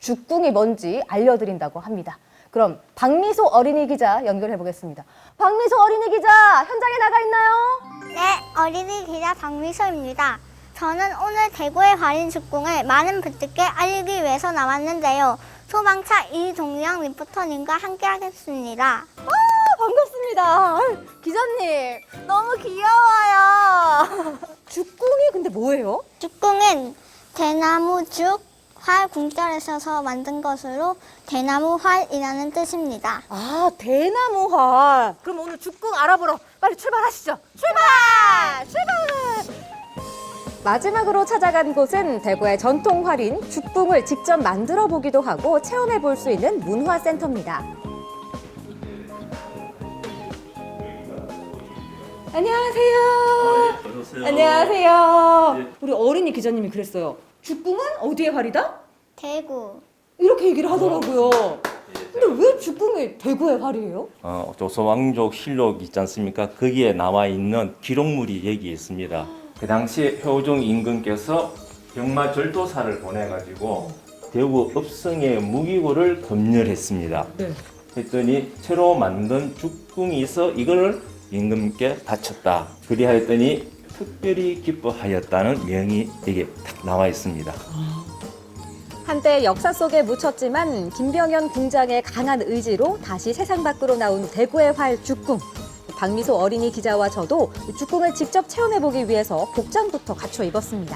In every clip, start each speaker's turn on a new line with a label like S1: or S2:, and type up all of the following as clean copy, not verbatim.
S1: 죽궁이 뭔지 알려드린다고 합니다. 그럼 박미소 어린이 기자 연결해 보겠습니다. 박미소 어린이 기자, 현장에 나가 있나요?
S2: 네, 어린이 기자 박미소입니다. 저는 오늘 대구의 활인 죽궁을 많은 분들께 알리기 위해서 나왔는데요. 소방차 이동영 리포터님과 함께 하겠습니다.
S1: 반갑습니다. 기자님, 너무 귀여워요. 죽궁이 근데 뭐예요?
S2: 죽궁은 대나무 죽, 활 궁자를 써서 만든 것으로 대나무 활이라는 뜻입니다.
S1: 아, 대나무활. 그럼 오늘 죽궁 알아보러 빨리 출발하시죠. 출발! 출발! 마지막으로 찾아간 곳은 대구의 전통 활인 죽궁을 직접 만들어 보기도 하고 체험해 볼 수 있는 문화센터입니다. 안녕하세요.
S3: 어서오세요.
S1: 안녕하세요.
S3: 예.
S1: 우리 어린이 기자님이 그랬어요. 죽궁은 어디의 활이다?
S2: 대구.
S1: 이렇게 얘기를 하더라고요. 근데 왜 죽궁이 대구의 활이에요?
S3: 조선왕족 실록 있지 않습니까? 거기에 나와 있는 기록물이 여기 있습니다. 그 당시 효종 임금께서 병마절도사를 보내가지고 대구 읍성의 무기고를 검열했습니다.
S1: 네.
S3: 했더니 새로 만든 죽궁이 있어 이거를 임금께 바쳤다. 그리하였더니 특별히 기뻐하였다는 명이 여기 딱 나와 있습니다.
S1: 한때 역사 속에 묻혔지만 김병현 궁장의 강한 의지로 다시 세상 밖으로 나온 대구의 활 죽궁. 박미소 어린이 기자와 저도 죽궁을 직접 체험해보기 위해서 복장부터 갖춰 입었습니다.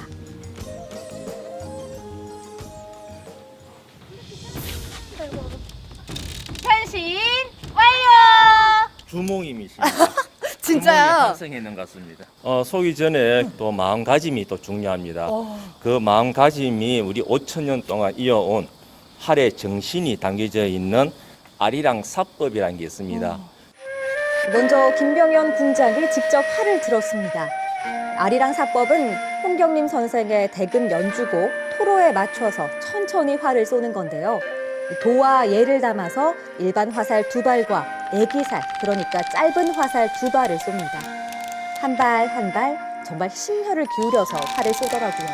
S4: 변신 완료!
S3: 주몽임이십니다.
S1: 진짜요?
S3: 활성해 있는 것 같습니다. 속이 전에 또 마음가짐이 또 중요합니다. 그 마음가짐이 우리 5,000년 동안 이어온 활의 정신이 담겨져 있는 아리랑 사법이라는 게 있습니다.
S1: 먼저 김병현 궁장이 직접 활을 들었습니다. 아리랑 사법은 홍경림 선생의 대금 연주곡 토로에 맞춰서 천천히 활을 쏘는 건데요. 도와 예를 담아서 일반 화살 2발과 애기살, 그러니까 짧은 화살 2발을 쏩니다. 한 발 한 발 정말 심혈을 기울여서 활을 쏘더라고요.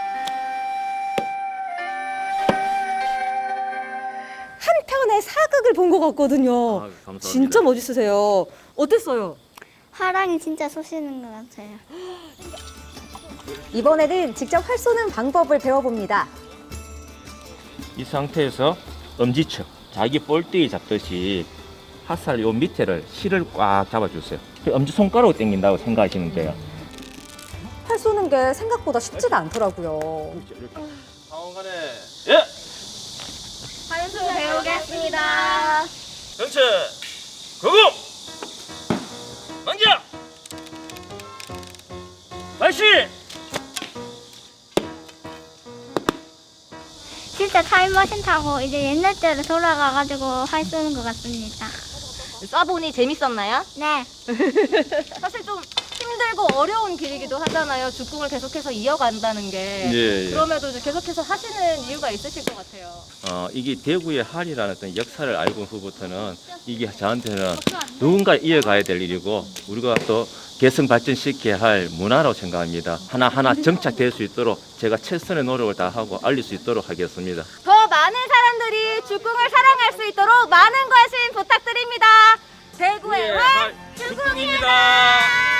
S1: 한편의 사극을 본 것 같거든요.
S3: 감사합니다.
S1: 진짜 멋있으세요. 어땠어요?
S2: 화랑이 진짜 쏘시는 것 같아요.
S1: 이번에는 직접 활 쏘는 방법을 배워봅니다.
S3: 이 상태에서 엄지척, 자기 볼때기 잡듯이 화살 요 밑에를 실을 꽉 잡아주세요. 엄지 손가락으로 당긴다고 생각하시면 돼요.
S1: 활 쏘는 게 생각보다 쉽지가 않더라고요.
S3: 상원간에 예!
S4: 한수 배우겠습니다.
S3: 전체 거금! 만자! 발시!
S2: 진짜 타임머신 타고 이제 옛날 때로 돌아가가지고 활 쏘는 것 같습니다.
S4: 쏴보니 재밌었나요?
S2: 네.
S4: 사실 좀 힘들고 어려운 길이기도 하잖아요. 죽궁을 계속해서 이어간다는 게.
S3: 예.
S4: 그럼에도 이제 계속해서 하시는 이유가 있으실 것 같아요.
S3: 이게 대구의 할이라는 어떤 역사를 알고 후부터는 이게 저한테는 누군가 이어가야 될 일이고 우리가 또 개성 발전시켜야 할 문화라고 생각합니다. 하나하나 정착될 수 있도록 제가 최선의 노력을 다하고 알릴 수 있도록 하겠습니다.
S4: 더 많은 사람들이 죽궁을 사랑할 수 있도록 많은 관심 부탁드립니다. 대구의 활 죽궁입니다.